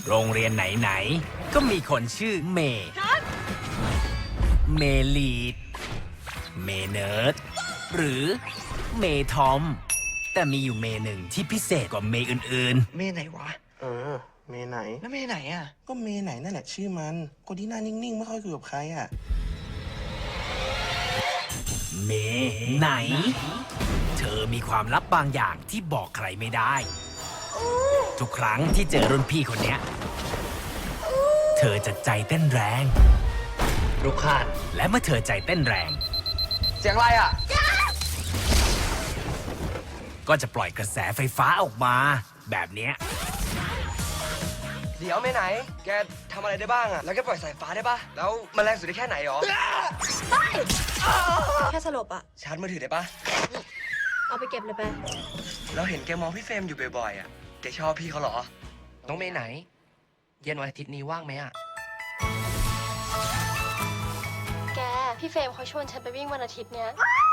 โรงเรียนไหนๆก็มีคนชื่อเมย์เมลีดเมเนิร์ดหรือเมทอม แต่มีอยู่เมหนึ่งที่พิเศษกว่าเมอื่นเมย์ไหนวะเมไหนแล้วเมย์ไหนอ่ะก็เมไหนนั่นแหละชื่อมันคนที่หน้านิ่งๆไม่ค่อยคุยกับใครอ่ะๆ เมไหน เธอมีความลับบางอย่างที่บอกใครไม่ได้ ทุกครั้งที่เจอรุ่นพี่คนเนี้ย เธอจะใจเต้นแรงลูกคานและเมื่อเธอใจเต้นแรงเสียงอะไรอ่ะก็จะปล่อยกระแสไฟฟ้าออกมา แบบเนี้ยเดี๋ยวเมย์ไหน แกทำอะไรได้บ้างอ่ะ แล้วแกปล่อยสายฟ้าได้ปะแล้วมันแรงสุดได้แค่ไหนหรอแค่สลบอะชาร์จมือถือได้ปะเอาไปเก็บเลยไปเราเห็นแกมองพี่เฟรมอยู่บ่อยๆอ่ะ แกชอบพี่เขาเหรอน้องเมย์ไหน เย็นวันอาทิตย์นี้ว่างไหมอ่ะแก พี่เฟรมเขาชวนฉันไปวิ่งวันอาทิตย์เนี้ย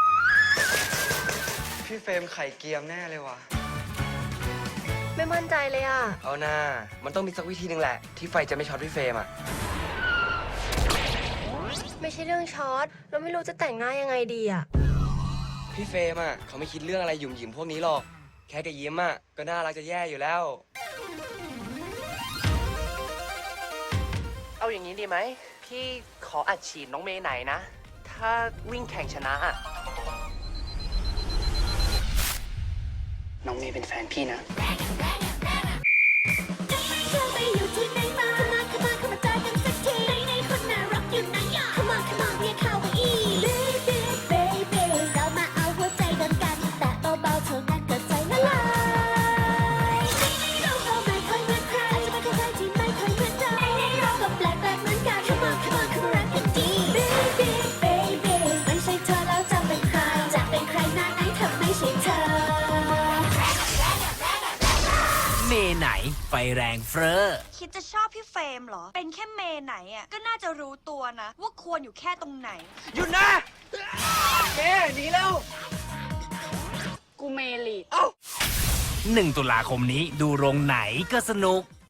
พี่เฟรมไข่เกียมแน่เลยว่ะไม่มั่นใจเลยอะเอาหน้า มันต้องมีสักวิธีหนึ่งแหละ ที่ไฟจะไม่ช็อตพี่เฟรมอ่ะไม่ใช่เรื่องช็อต เราไม่รู้จะแต่งหน้ายังไงดีอะพี่เฟรมอ่ะเขาไม่คิดเรื่องอะไรหยุ่มหยิมพวกนี้หรอก แค่แกยิ้มอ่ะก็น่ารักจะแย่อยู่แล้วเอาอย่างนี้ดีไหม พี่ขออัดฉีดน้องเมย์ไหนนะ ถ้าวิ่งแข่งชนะอ่ะ น้องเมย์เป็นแฟนพี่นะเธอไปอยู่ที่ไหนมาเข้ามาเจอกันสักทีไหนคนน่ารักอยู่ไหนอ่ะCome onเรียกเขาว่าอี Baby เรามาเอาหัวใจกันแต่เบาๆเท่านั้นก็ใจละลายเราก็ไม่ค่อยเหมือนใครอาจจะไม่เข้าใจที่ไม่ค่อยเหมือนเราเราก็แปลกเหมือนกัน Come on รักกันดี Baby ไม่ใช่เธอแล้วจะเป็นใครจะเป็นใครหน้าไหนถ้าไม่ใช่เธอเมไหนไฟแรงเฟ้อคิดจะชอบพี่เฟรมเหรอ เป็นแค่เมย์ไหนอ่ะ ก็น่าจะรู้ตัวนะ ว่าควรอยู่แค่ตรงไหนหยุดนะแกหนีแล้วกูเมลี 1 ตุลาคมนี้ดูโรงไหนก็สนุก